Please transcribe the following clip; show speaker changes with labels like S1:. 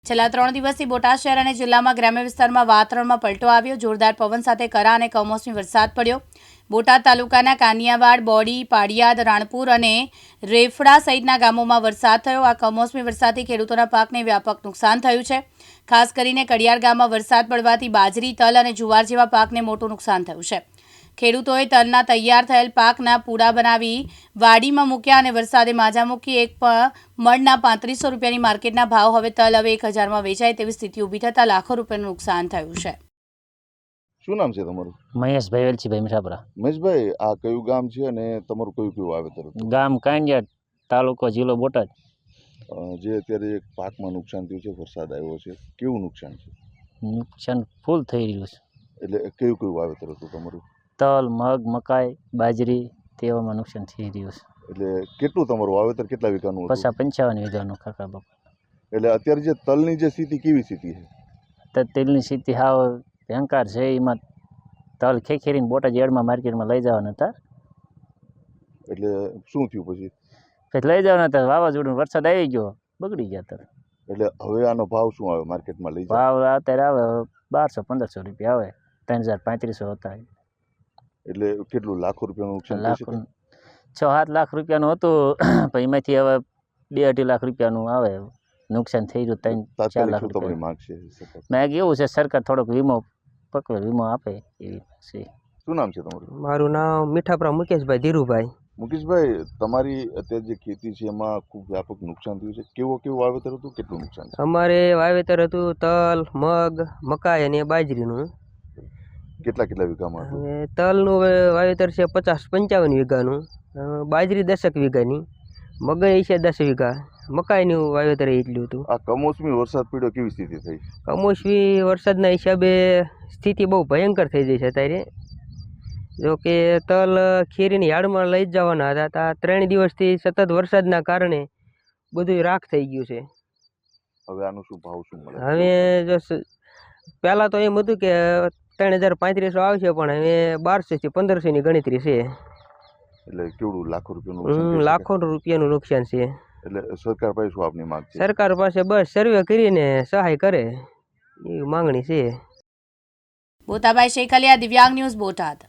S1: છેલ્લા 3 દિવસથી બોટાદ શહેર અને જિલ્લામાં ગ્રામ્ય વિસ્તારમાં વાતાવરણમાં પલટો આવ્યો. જોરદાર પવન સાથે કરા અને કમોસમી વરસાદ પડ્યો. બોટાદ તાલુકાના કાનિયાવાડ, બોડી, પાડિયાદ, રાણપુર અને રેફડા સહિતના ગામોમાં વરસાદ થયો. આ કમોસમી વરસાદથી ખેડૂતોના પાકને વ્યાપક નુકસાન થયું છે. ખાસ કરીને કડિયાર ગામમાં વરસાદ પડવાથી બાજરી, તલ અને જુવાર જેવા પાકને મોટું નુકસાન થયું છે. ખેડૂતોએ તલના તૈયાર થયેલ પાકના પૂડા બનાવી વાડીમાં મૂક્યા અને વરસાદે માજા મૂકી. એક મણના 3500 રૂપિયાની માર્કેટના ભાવ હવે તલ હવે 1000માં વેચાય તેવી સ્થિતિ ઊભી થતાં લાખો રૂપિયાનું નુકસાન થયું છે.
S2: શું નામ છે તમારું?
S3: મહેશભાઈ વેલજીભાઈ મીઠાપરા.
S2: મહેશભાઈ, આ કયું ગામ છે અને તમારું કયું વાવેતર હતું?
S3: ગામ કાંડિયાદ, તાલુકો જિલ્લો બોટાદ.
S2: જે અત્યારે એક પાકમાં નુકસાન થયું છે, વરસાદ આવ્યો છે, કેવું નુકસાન છે?
S3: નુકસાન ફૂલ થઈ રહ્યું છે.
S2: એટલે કયું વાવેતર હતું તમારું?
S3: તલ, મગ, મકાઈ, બાજરી તેવામાં નુકસાન થઈ રહ્યું છે.
S2: એટલે કેટલું તમારું વાવેતર કેટલા વીઘાનું હતું?
S3: 55 વીઘાનું કાકા બાપા.
S2: એટલે અત્યારે જે તલની જે સ્થિતિ કેવી સ્થિતિ છે?
S3: તો તેલની સ્થિતિ હાવ ભયંકર છે. એમાં તલ ખેખેરીને બોટાદ યાર્ડમાં માર્કેટમાં લઈ જવાના હતા.
S2: એટલે શું થયું પછી?
S3: લઈ જવાના હતા, વાવાઝોડું વરસાદ આવી ગયો, બગડી ગયા તલ.
S2: એટલે હવે આનો ભાવ શું આવે માર્કેટમાં લઈ જાય?
S3: ભાવ અત્યારે આવે 1200-1500 રૂપિયા આવે. 3000-3500 હતા.
S2: એટલે કેટલું લાખો રૂપિયાનું નુકસાન થઈ શકે?
S3: 6-7 લાખ રૂપિયાનું હતું, પણ એમાંથી હવે 2-2.5 લાખ રૂપિયાનું આવે નુકસાન થઈ રહ્યું. 3-4 લાખ
S2: તમારી
S3: રૂપિયા
S2: માંગ છે?
S3: મેં એવું છે સરકાર થોડોક વીમો પકવે, વીમો આપે એવી છે.
S2: શું નામ છે તમારું?
S4: મારું નામ મીઠાપરા મુકેશભાઈ ધીરુભાઈ.
S2: મુકેશભાઈ, તમારી અત્યારે જે ખેતી છે એમાં ખૂબ વ્યાપક નુકસાન થયું છે. કેવું વાવેતર હતું, કેટલું નુકસાન છે?
S4: અમારે વાવેતર હતું તલ, મગ, મકાઈ અને બાજરીનું.
S2: કેટલા વીઘામાં હતું?
S4: અને તલનું વાવેતર છે 50-55 વીઘાનું, બાજરી 10 વીઘાની, મગઈ છે 10 વીઘા, મકાઈનું વાવેતર એટલું હતું.
S2: આ કમોસમી વરસાદ પડ્યો, કેવી સ્થિતિ થઈ?
S4: કમોસમી વરસાદના હિસાબે સ્થિતિ બહુ ભયંકર થઈ ગઈ છે અત્યારે. જો કે તલ ખેરીની યાર્ડમાં લઈ જ જવાના હતા, 3 દિવસથી સતત વરસાદના કારણે બધું રાખ થઈ ગયું છે.
S2: હવે આનો શું ભાવ શું મળે?
S4: હવે જો પહેલાં તો એમ હતું કે 3035 આવશે, પણ હવે 1200-1500ની ગણતરી છે.
S2: એટલે કેવડું લાખો રૂપિયાનું નુકસાન?
S4: લાખો રૂપિયાનું નુકસાન છે.
S2: એટલે સરકાર પાસે શું આપની માંગ છે?
S4: સરકાર પાસે બસ સર્વે કરીને સહાય કરે એવી માંગણી છે.
S1: બોતાભાઈ શેખલિયા, દિવ્યાંગ ન્યૂઝ, બોટાદ.